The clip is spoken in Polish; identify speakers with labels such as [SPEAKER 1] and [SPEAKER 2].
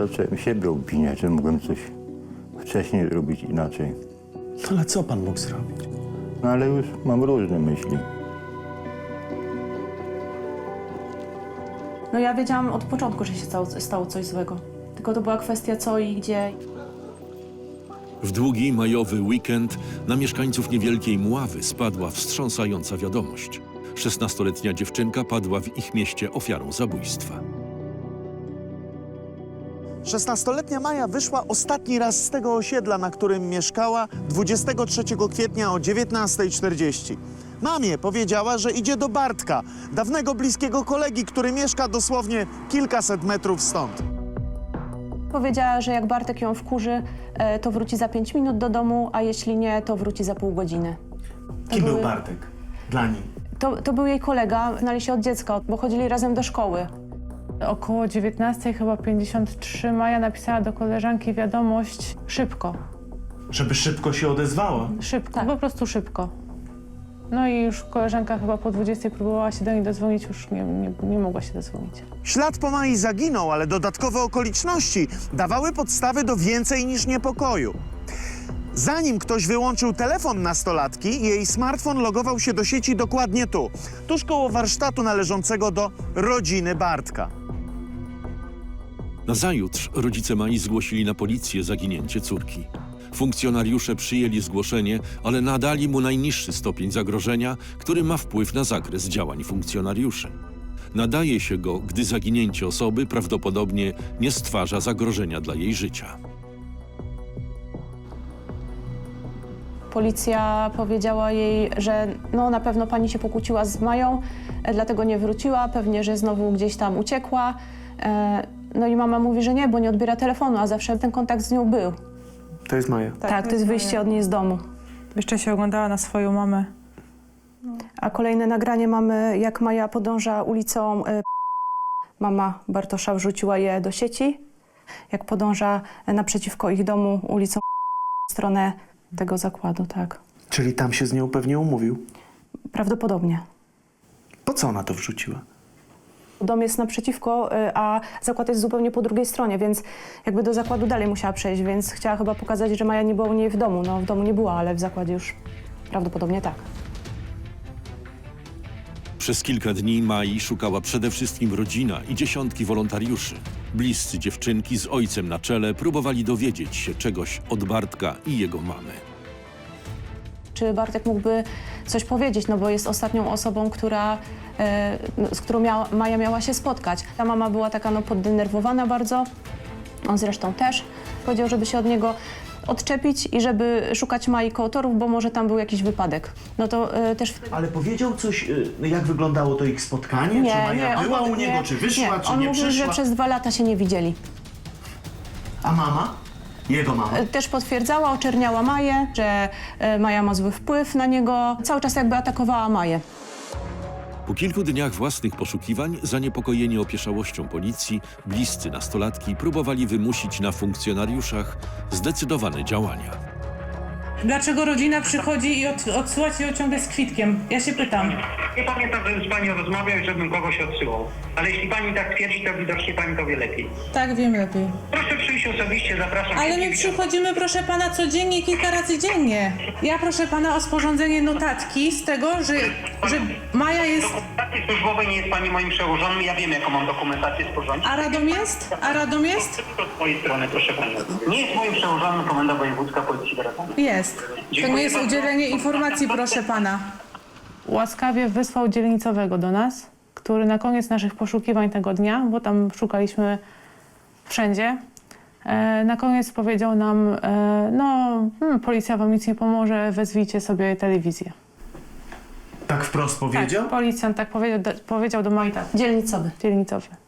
[SPEAKER 1] zacząłem siebie obwiniać, że mogłem coś wcześniej zrobić inaczej.
[SPEAKER 2] Ale co pan mógł zrobić?
[SPEAKER 1] No ale już mam różne myśli.
[SPEAKER 3] No ja wiedziałam od początku, że się stało coś złego. Tylko to była kwestia co i gdzie.
[SPEAKER 4] W długi majowy weekend na mieszkańców niewielkiej Mławy spadła wstrząsająca wiadomość. 16-letnia dziewczynka padła w ich mieście ofiarą zabójstwa.
[SPEAKER 2] 16-letnia Maja wyszła ostatni raz z tego osiedla, na którym mieszkała 23 kwietnia o 19:40. Mamie powiedziała, że idzie do Bartka, dawnego bliskiego kolegi, który mieszka dosłownie kilkaset metrów stąd.
[SPEAKER 3] Powiedziała, że jak Bartek ją wkurzy, to wróci za 5 minut do domu, a jeśli nie, to wróci za pół godziny.
[SPEAKER 2] Kim był Bartek dla niej?
[SPEAKER 3] To był jej kolega, znali się od dziecka, bo chodzili razem do szkoły.
[SPEAKER 5] Około 19, chyba 53, Maja napisała do koleżanki wiadomość szybko.
[SPEAKER 2] Żeby szybko się odezwała.
[SPEAKER 5] Szybko,
[SPEAKER 3] Tak.
[SPEAKER 5] po prostu szybko. No i już koleżanka chyba po 20 próbowała się do niej dodzwonić, już nie mogła się dodzwonić.
[SPEAKER 2] Ślad po Mai zaginął, ale dodatkowe okoliczności dawały podstawy do więcej niż niepokoju. Zanim ktoś wyłączył telefon nastolatki, jej smartfon logował się do sieci dokładnie tu, tuż koło warsztatu należącego do rodziny Bartka.
[SPEAKER 4] Nazajutrz rodzice Mai zgłosili na policję zaginięcie córki. Funkcjonariusze przyjęli zgłoszenie, ale nadali mu najniższy stopień zagrożenia, który ma wpływ na zakres działań funkcjonariuszy. Nadaje się go, gdy zaginięcie osoby prawdopodobnie nie stwarza zagrożenia dla jej życia.
[SPEAKER 3] Policja powiedziała jej, że no na pewno pani się pokłóciła z Mają, dlatego nie wróciła, pewnie, że znowu gdzieś tam uciekła. No i mama mówi, że nie, bo nie odbiera telefonu, a zawsze ten kontakt z nią był.
[SPEAKER 2] To jest Maja.
[SPEAKER 3] Tak, to jest wyjście od niej z domu.
[SPEAKER 5] Jeszcze się oglądała na swoją mamę.
[SPEAKER 3] A kolejne nagranie mamy, jak Maja podąża ulicą. Mama Bartosza wrzuciła je do sieci. Jak podąża naprzeciwko ich domu ulicą w stronę tego zakładu, tak.
[SPEAKER 2] Czyli tam się z nią pewnie umówił.
[SPEAKER 3] Prawdopodobnie.
[SPEAKER 2] Po co ona to wrzuciła?
[SPEAKER 3] Dom jest naprzeciwko, a zakład jest zupełnie po drugiej stronie, więc jakby do zakładu dalej musiała przejść, więc chciała chyba pokazać, że Maja nie była u niej w domu. No w domu nie była, ale w zakładzie już prawdopodobnie tak.
[SPEAKER 4] Przez kilka dni Mai szukała przede wszystkim rodzina i dziesiątki wolontariuszy. Bliscy dziewczynki z ojcem na czele próbowali dowiedzieć się czegoś od Bartka i jego mamy.
[SPEAKER 3] Czy Bartek mógłby coś powiedzieć, no bo jest ostatnią osobą, z którą Maja miała się spotkać. Ta mama była taka poddenerwowana bardzo, on zresztą też. Powiedział, żeby się od niego odczepić i żeby szukać Mai koło torów, bo może tam był jakiś wypadek. No to też...
[SPEAKER 2] Ale powiedział coś, jak wyglądało to ich spotkanie?
[SPEAKER 3] Nie,
[SPEAKER 2] czy Maja
[SPEAKER 3] nie,
[SPEAKER 2] była
[SPEAKER 3] on
[SPEAKER 2] u niego,
[SPEAKER 3] nie,
[SPEAKER 2] czy wyszła,
[SPEAKER 3] nie.
[SPEAKER 2] czy
[SPEAKER 3] On
[SPEAKER 2] nie
[SPEAKER 3] mówił,
[SPEAKER 2] przyszła?
[SPEAKER 3] że przez 2 lata się nie widzieli.
[SPEAKER 2] A mama? Jego mama?
[SPEAKER 3] Też potwierdzała, oczerniała Maję, że Maja ma zły wpływ na niego. Cały czas jakby atakowała Maję.
[SPEAKER 4] Po kilku dniach własnych poszukiwań, zaniepokojeni opieszałością policji, bliscy nastolatki próbowali wymusić na funkcjonariuszach zdecydowane działania.
[SPEAKER 6] Dlaczego rodzina przychodzi i odsyła cię ciągle z kwitkiem? Ja się pytam.
[SPEAKER 7] Nie pamiętam, żebym z panią rozmawiał i żebym kogoś odsyłał. Ale jeśli pani tak twierdzi, to widocznie pani to wie lepiej.
[SPEAKER 6] Tak, wiem lepiej.
[SPEAKER 7] Proszę przyjść osobiście, zapraszam.
[SPEAKER 6] Ale my przychodzimy, proszę pana, codziennie, kilka razy dziennie. Ja proszę pana o sporządzenie notatki z tego, że Maja jest...
[SPEAKER 7] Dokumentacji służbowej nie jest pani moim przełożonym, ja wiem, jaką mam dokumentację sporządzić.
[SPEAKER 6] A Radom jest? A Radom jest?
[SPEAKER 7] To z mojej strony, proszę pani. Nie jest moim przełożonym komenda wojewódzka Policji w Radomiu.
[SPEAKER 6] Jest. To nie jest udzielenie informacji, proszę pana.
[SPEAKER 5] Łaskawie wysłał dzielnicowego do nas, który na koniec naszych poszukiwań tego dnia, bo tam szukaliśmy wszędzie, na koniec powiedział nam, policja wam nic nie pomoże, wezwijcie sobie telewizję.
[SPEAKER 2] Tak wprost powiedział?
[SPEAKER 5] Tak, policjant tak powiedział do Mai, tak,
[SPEAKER 3] Dzielnicowy.
[SPEAKER 5] dzielnicowy.